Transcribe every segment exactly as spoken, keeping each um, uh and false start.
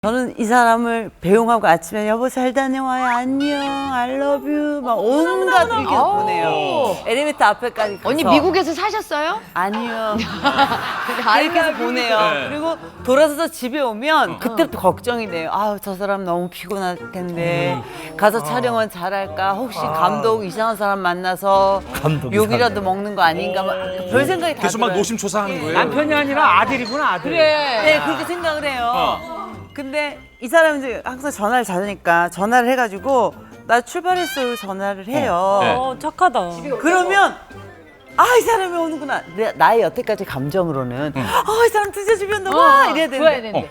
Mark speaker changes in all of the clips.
Speaker 1: 저는 이 사람을 배웅하고 아침에 여보 잘 다녀와요 안녕 I love you 막 온갖 이렇게 보내요. 엘리베이터 앞에까지 가서.
Speaker 2: 언니 미국에서 사셨어요?
Speaker 1: 아니요. 이렇게 해서 보내요.
Speaker 3: 네.
Speaker 1: 그리고 돌아서서 집에 오면 그때부터 걱정이 돼요. 아우 저 사람 너무 피곤할 텐데 가서 촬영은 잘할까 혹시 감독 이상한 사람 만나서 욕이라도 먹는 거 아닌가 막 별 생각이 다
Speaker 3: 계속 막
Speaker 1: 들어요.
Speaker 3: 노심초사하는 거예요.
Speaker 4: 남편이 아니라 아들이구나 아들.
Speaker 2: 그래.
Speaker 1: 네 그렇게 생각을 해요. 근데 이 사람이 이제 항상 전화를 잘하니까 전화를 해가지고 나 출발했어요 전화를 해요.
Speaker 3: 네.
Speaker 5: 어, 착하다.
Speaker 1: 그러면 아 이 사람이 오는구나. 내, 나의 여태까지 감정으로는 아 이 사람 드디어 집에 온다 와 이래야
Speaker 2: 좋아야
Speaker 1: 되는데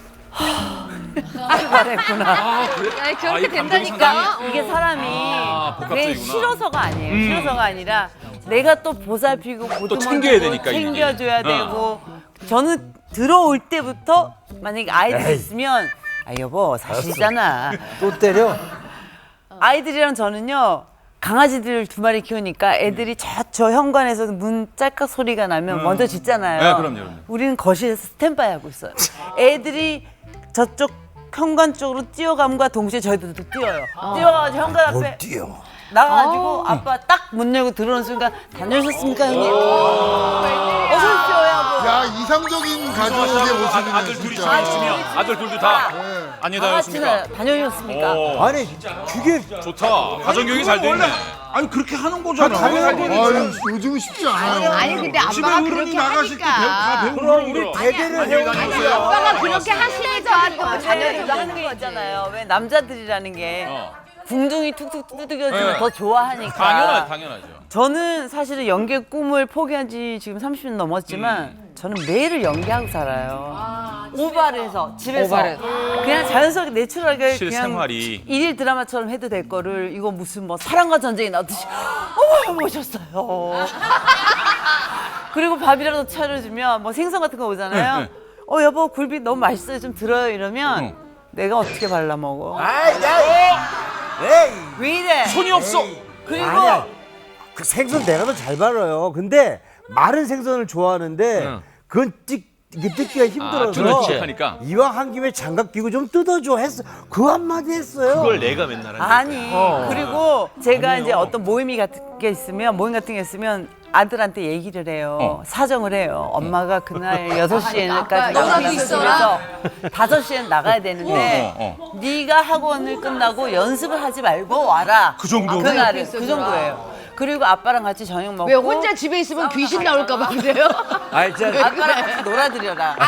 Speaker 2: 되는데.
Speaker 1: 출발했구나.
Speaker 3: 아, 그래?
Speaker 2: 아니,
Speaker 3: 아,
Speaker 2: 그렇게
Speaker 3: 이 감정이
Speaker 2: 된다니까.
Speaker 3: 상당히-
Speaker 1: 이게 사람이
Speaker 3: 아,
Speaker 1: 그게
Speaker 3: 복합적이구나.
Speaker 1: 싫어서가 아니에요.
Speaker 3: 음.
Speaker 1: 싫어서가 아니라 내가 또 보살피고 보듬어주고
Speaker 3: 챙겨야 되니까,
Speaker 1: 챙겨줘야
Speaker 3: 이게. 어.
Speaker 1: 되고 저는 들어올 때부터 만약에 아이들이 있으면 아 여보 사실이잖아.
Speaker 4: 또 때려.
Speaker 1: 아이들이랑 저는요 강아지들 두 마리 키우니까 애들이 저, 저 현관에서 문 짤깍 소리가 나면 먼저 짖잖아요.
Speaker 3: 네, 그럼요, 그럼요.
Speaker 1: 우리는 거실에서 스탠바이 하고 있어요. 애들이 저쪽 현관 쪽으로 뛰어감과 동시에 저희들도 뛰어요. 뛰어가지고 현관 앞에
Speaker 4: 뛰어.
Speaker 1: 나가가지고 아빠 딱 문 열고 들어오는 순간 다녀오셨습니까 형님? 어서 오십시오 여보.
Speaker 6: 야 이상적인 가족의 모습이네
Speaker 3: 아들 둘이
Speaker 6: 진짜.
Speaker 3: 잘 있으면 아들 둘도 다
Speaker 6: 네.
Speaker 3: 아니
Speaker 1: 다같이
Speaker 3: 다녔습니까?
Speaker 1: 다녀오셨습니까?
Speaker 3: 오,
Speaker 4: 아니 그게
Speaker 3: 좋다. 가정교육이 잘 돼 있네.
Speaker 7: 아니 그렇게 하는 거잖아.
Speaker 6: 아유 요즘은 쉽지 않아요.
Speaker 2: 아니 근데 아빠가 그렇게
Speaker 7: 나가실 때 다
Speaker 2: 하니까.
Speaker 7: 배우고
Speaker 4: 그럼 우리 대대를
Speaker 3: 많이
Speaker 4: 해오는
Speaker 3: 다녀오세요.
Speaker 2: 아빠가 그렇게 하시니까 또
Speaker 1: 자녀들도
Speaker 2: 자녀들도
Speaker 1: 하는 게 있잖아요. 왜 남자들이라는 게
Speaker 3: 어.
Speaker 1: 궁둥이 툭툭 두드겨주면
Speaker 3: 네.
Speaker 1: 더 좋아하니까.
Speaker 3: 당연하, 당연하죠.
Speaker 1: 저는 사실은 연기의 꿈을 포기한 지 지금 삼십 년 넘었지만 저는 매일을 연기하고 살아요. 오바를 해서 집에서
Speaker 2: 오바를.
Speaker 1: 그냥 자연스럽게 내추럴하게 그냥
Speaker 3: 실생활이.
Speaker 1: 일일 드라마처럼 해도 될 거를 이거 무슨 뭐 사랑과 전쟁이 나듯이 어머 모셨어요. 그리고 밥이라도 차려주면 뭐 생선 같은 거 오잖아요. 어 여보 굴비 너무 맛있어요 좀 들어요 이러면
Speaker 3: 응.
Speaker 1: 내가 어떻게 발라 먹어?
Speaker 4: 아이 야. 에이.
Speaker 1: 왜 이래?
Speaker 3: 손이 없어.
Speaker 1: 그리고
Speaker 4: 아니야. 그 생선 내가 더 잘 발라요. 근데 마른 생선을 좋아하는데
Speaker 3: 응.
Speaker 4: 그건 뜯 이게 뜯기가 힘들어서
Speaker 3: 그렇지. 하니까.
Speaker 4: 이왕 한 김에 장갑 끼고 좀 뜯어줘 했어. 그 한마디 했어요.
Speaker 3: 내가 맨날 하는
Speaker 1: 아니 그리고 제가 이제 어떤 모임이 같은 게 있으면 모임 같은 게 있으면 아들한테 얘기를 해요.
Speaker 3: 어.
Speaker 1: 사정을 해요. 엄마가 그날 여섯 시에는까지
Speaker 2: 아빠
Speaker 1: 나가서
Speaker 2: 연락이 있어라.
Speaker 1: 다섯 시엔 나가야 되는데
Speaker 3: 어, 어,
Speaker 1: 네가 학원을 끝나고 연습을 하지 말고 와라.
Speaker 3: 그 정도?
Speaker 1: 그날은 그 정도예요. 그리고 아빠랑 같이 저녁 먹고
Speaker 2: 왜 혼자 집에 있으면 귀신 나올까 봐 그래요?
Speaker 4: 아이 자
Speaker 1: 아빠랑 같이 놀아드려라.